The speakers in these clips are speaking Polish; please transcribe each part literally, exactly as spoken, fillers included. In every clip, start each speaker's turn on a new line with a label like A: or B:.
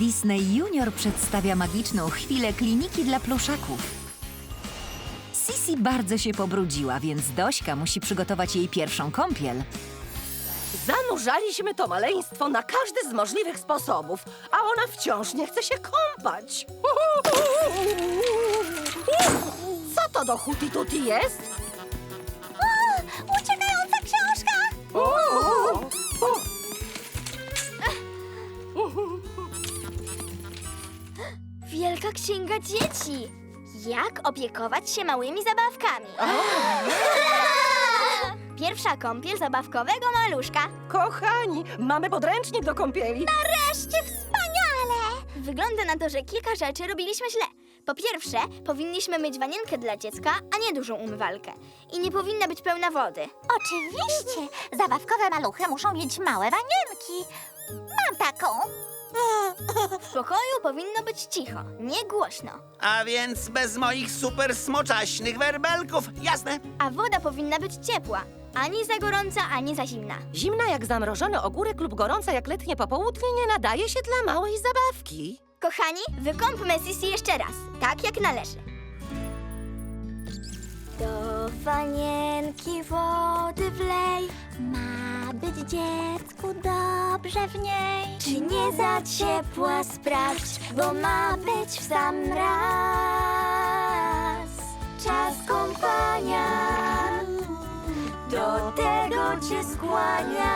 A: Disney Junior przedstawia magiczną chwilę kliniki dla pluszaków. Sisi bardzo się pobrudziła, więc Dośka musi przygotować jej pierwszą kąpiel.
B: Zanurzaliśmy to maleństwo na każdy z możliwych sposobów, a ona wciąż nie chce się kąpać. Co to do huti tuti jest?
C: O, uciekająca książka! Wielka księga dzieci. Jak opiekować się małymi zabawkami? Pierwsza kąpiel zabawkowego maluszka.
B: Kochani, mamy podręcznik do kąpieli.
C: Nareszcie wspaniale! Wygląda na to, że kilka rzeczy robiliśmy źle. Po pierwsze, powinniśmy mieć wanienkę dla dziecka, a nie dużą umywalkę. I nie powinna być pełna wody.
D: Oczywiście! Zabawkowe maluchy muszą mieć małe wanienki. Mam taką.
C: W pokoju powinno być cicho, nie głośno.
E: A więc bez moich super smoczaśnych werbelków, jasne?
C: A woda powinna być ciepła. Ani za gorąca, ani za zimna.
B: Zimna jak zamrożony ogórek lub gorąca jak letnie popołudnie nie nadaje się dla małej zabawki.
C: Kochani, wykąpmy Sisi jeszcze raz, tak jak należy. Do wanienki wody wlej.
D: Ma być dziecku dobrze w niej.
C: Czy nie za ciepła sprawdź, bo ma być w sam raz. Czas kąpania do tego cię skłania,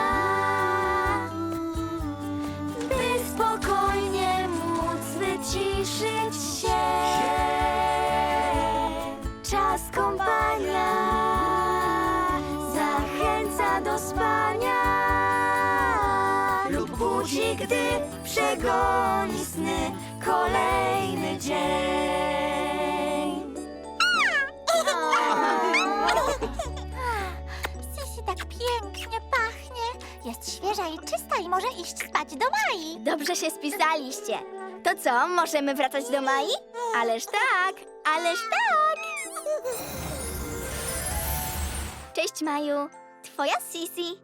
C: by spokojnie móc wyciszyć się. Czas kąpania zachęca do spania lub budzi, gdy przegoni sny kolejny dzień.
D: Sisi tak pięknie pachnie. Jest świeża i czysta i może iść spać do Mai.
C: Dobrze się spisaliście. To co, możemy wracać do Mai? Ależ tak, ależ tak! Cześć, Maju. Twoja Sisi.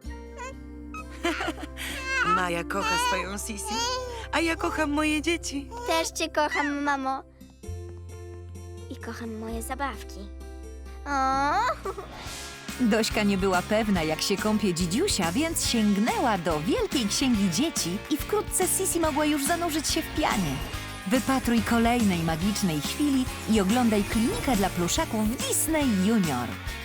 F: Maja kocha swoją Sisi, a ja kocham moje dzieci.
C: Też cię kocham, mamo. I kocham moje zabawki. O,
A: Dośka nie była pewna, jak się kąpie dzidziusia, więc sięgnęła do wielkiej księgi dzieci i wkrótce Sisi mogła już zanurzyć się w pianie. Wypatruj kolejnej magicznej chwili i oglądaj klinikę dla pluszaków Disney Junior.